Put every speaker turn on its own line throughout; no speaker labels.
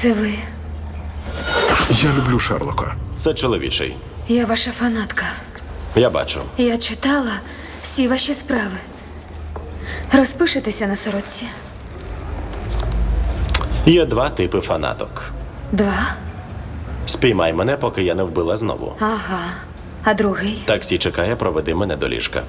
Це ви.
Я люблю Шерлока.
Це чоловічий.
Я ваша фанатка.
Я бачу.
Я читала всі ваші справи. Розпишетеся на сорочці.
Є два типи фанаток.
2.
Спіймай мене, поки я не вбила знову.
Ага. А другий?
Таксі чекає, проведи мене до ліжка.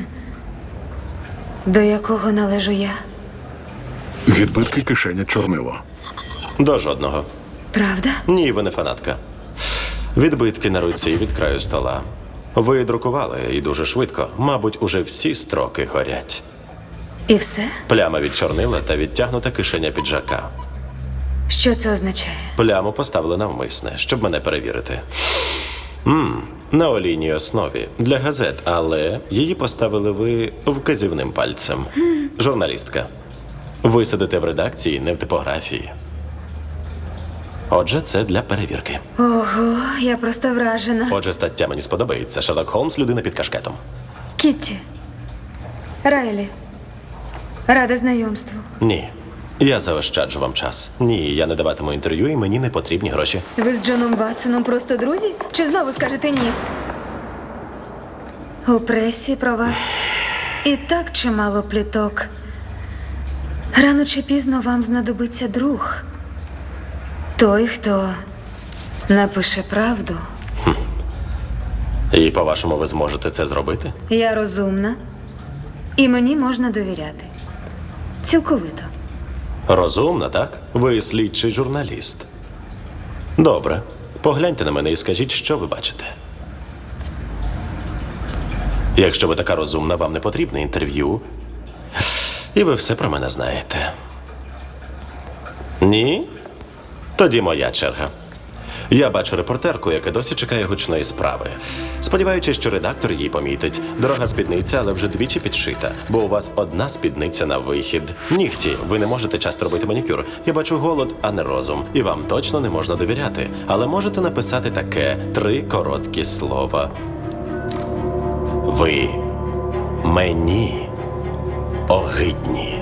До якого належу я?
Відбитки кишеня чорнило.
До жодного.
Правда?
Ні, ви не фанатка. Відбитки на руці від краю стола. Ви друкували і дуже швидко. Мабуть, уже всі строки горять.
І все?
Пляма від чорнила та відтягнута кишеня піджака.
Що це означає?
Пляму поставили навмисне, щоб мене перевірити. На олійній основі. Для газет, але її поставили ви вказівним пальцем. Журналістка. Ви сидите в редакції, не в типографії. Отже, це для перевірки.
Ого, я просто вражена.
Отже, стаття мені сподобається. Шерлок Холмс – людина під кашкетом.
Кітті. Райлі. Рада знайомству.
Ні. Я заощаджу вам час. Ні, я не даватиму інтерв'ю, і мені не потрібні гроші.
Ви з Джоном Ватсоном просто друзі? Чи знову скажете ні? У пресі про вас і так чимало пліток. Рано чи пізно вам знадобиться друг. Той, хто напише правду.
І, по-вашому, ви зможете це зробити?
Я розумна, і мені можна довіряти. Цілковито.
Розумно, так? Ви слідчий журналіст. Добре. Погляньте на мене і скажіть, що ви бачите. Якщо ви така розумна, вам не потрібне інтерв'ю. І ви все про мене знаєте. Ні? Тоді моя черга. Я бачу репортерку, яка досі чекає гучної справи. Сподіваючись, що редактор її помітить. Дорога спідниця, але вже двічі підшита, бо у вас одна спідниця на вихід. Нігті, ви не можете часто робити манікюр. Я бачу голод, а не розум. І вам точно не можна довіряти. Але можете написати таке 3 короткі слова. Ви мені огидні.